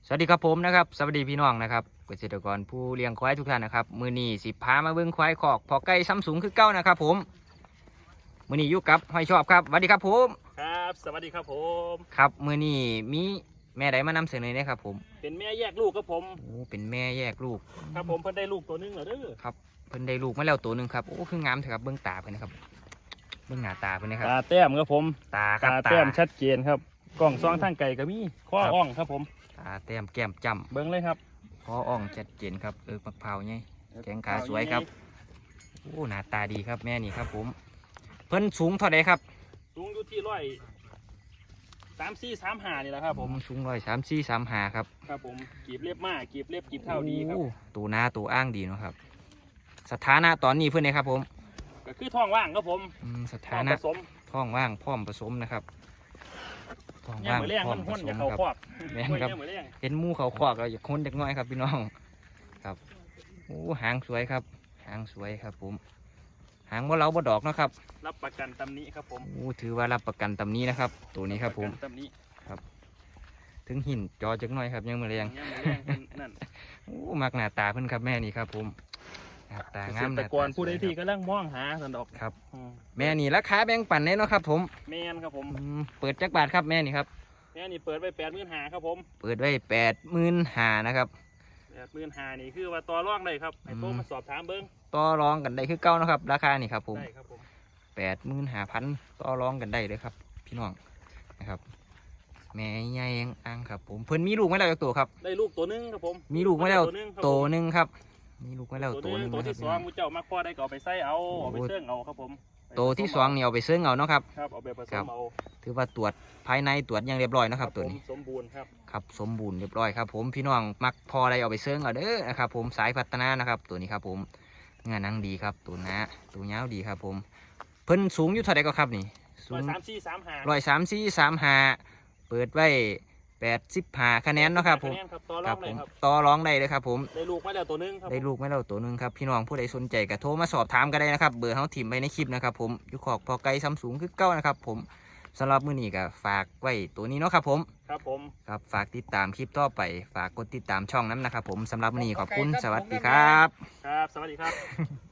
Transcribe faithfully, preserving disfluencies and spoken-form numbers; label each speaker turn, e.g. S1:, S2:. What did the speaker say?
S1: สวัสดีครับผมนะครับสวัสดีพี่น้องนะครับเกษตรกรผู้เลี้ยงควายทุกท่านนะครับมือนี้สิพามาเบิ้งควายคอกพอไก่ซ้ำสูงคือเก้านะครับผมมือนี้อยู่กับห้อยชอบครับสวัสดีครับผม
S2: ครับสวัสดีครับผม
S1: ครับมือนี้มีแม่ใดมานำเสนอเนี่ยครับผม
S2: เป็นแม่แยกลูกครับผม
S1: โอ้เป็นแม่แยกลูก
S2: ครับผมเพิ่นได้ลูกตัวนึงเหรอเด้อ
S1: ครับเพิ่นได้ลูกมาแล้วตัวหนึ่งครับโอ้คืองามเถอะครับเบิ้งตาเพิ่นนะครับเบิ้งหน้าตาเพิ่นนะครับ
S2: ตาแต้มครับผม
S1: ตาครับ
S2: ตาแต้มชัดเจนครับกล้องซองทางไก่ก็มีข้ออ่องครับผม
S1: ตาแต้มแก้มจ้ำ
S2: เบิ้งเลยครับ
S1: คออ่องชัดเจนครับเออมะพร้าวไงแขงขาสวยครับโอ้หน้าตาดีครับแม่นี่ครับผมเพิ่นสูงเท่าใดครับ
S2: สูงอยู่ที่ร้อยสามสี่สามห้านี่แหละครับผม
S1: สูงร้อยสามสี่สามห้าครับ
S2: ครับผมกีบเล็บมากกีบเล็บกีบเท่าดีครับ
S1: ตัวหน้าตัวอ้างดีเนาะครับสถานะตอนนี้เพื่อนนะครับผม
S2: ก็คือท้องว่างครับผม
S1: สถานะท้องว่างพร้อมผสมนะครับ
S2: ท้องว่างพร้อมผสมครับ
S1: แม่นครับเห็นมูเขาคอกเราอยากค้นเด็กน้อยครับพี่น้องครับโอ้หางสวยครับหางสวยครับผมหางว่าเราบ่ดอกนะครับ
S2: รับประกันตำนี้ครับผม
S1: โอ้ถือว่ารับประกันตำนี้นะครับตัวนี้ครับผม
S2: ตำนี้
S1: ครับถึงหินจอจักหน่อยครับยังมือแรง
S2: ยังมือแรงนั่น
S1: โอ้มักหน้าตาเพิ่นครับแม่นี่ครับผมหน้าตางาม
S2: แต่ก่อนผู้ใดที่กำลังมองหาสันดอก
S1: ครับแม่นี่ราคาแบ่งปันแน่เนาะครับผม
S2: แม่นครับผม
S1: เปิดจักบาทครับแม่นี่ครับ
S2: แม่นี่เปิดไว้แปดหมื่นหาครับผม
S1: เปิดไว้แปดหมื่นหานะครับ
S2: แปดหมื่นหานี่คือว่าต่อรองได้ครับไอ้โตมาสอบถามเบิ้ง
S1: ต่อรองกันได้คือเก้านะครับราคานี่ครับผม
S2: ได้ครับผม
S1: แปดหมื่นหาพันต่อรองกันได้เลยครับพี่น้องนะครับแม่ใหญ่อ่างครับผมเพิ่นมีลูกไม่แล้วตัวครับ
S2: ได้ลูกตัวนึงครับผม
S1: มีลูกไม่แล้วตัวนึงครับมีลูกไม่แล้วตัวนึง
S2: ตัวที่สองมูเจ้ามาพ่อได้ก็เอาไปใส่เอาเอาไปเสื่องเอาครับผม
S1: ตัวที่สองเนี่ยเอาไปเสื่องเอาเนาะครับ
S2: ครับเอาไปผสมเอา
S1: ถือว่าตรวจภายในตรวจอย่างเรียบร้อยนะครับตัวนี้
S2: สมบูรณ์ครับ
S1: ครับสมบูรณ์เรียบร้อยครับผมพี่น้องมักพออะไรเอาไปเสื่องเอาเด้อนะครับผมสายพัฒนานะครับตัวนี้ครับผมงานนังดีครับตัวน้าตัวยาวดีครับผมเพิ่นสูงอยู่เท่าไหร่ก็ครับนี่
S2: ร้อยสามสี่สามห้า
S1: ร้อยสามสี่สามห้าเปิดไว้แปดสิบห้าคะแนนเนาะครับผม
S2: ครับผม
S1: ต่อร้องได้เลยครับผม
S2: ได้ลูกไม่แล้วตัวนึงครับ
S1: ได้ลูกไม่แล้วตัวนึงครับพี่น้องผู้ใดสนใจก็โทรมาสอบถามก็ได้นะครับเบอร์เขาถิ่มไปในคลิปนะครับผมยุคอกพอไกลซัมซุงคือเก้านะครับผมสำหรับมื้อนี้ก็ฝากไว้ตัวนี้เนาะครับผม
S2: ครับผม
S1: ครับฝากติดตามคลิปต่อไปฝากกดติดตามช่องนั้นนะครับผมสำหรับมื้อนี้ขอบคุณสวัสดีครับ
S2: ครับสวัสดีครับ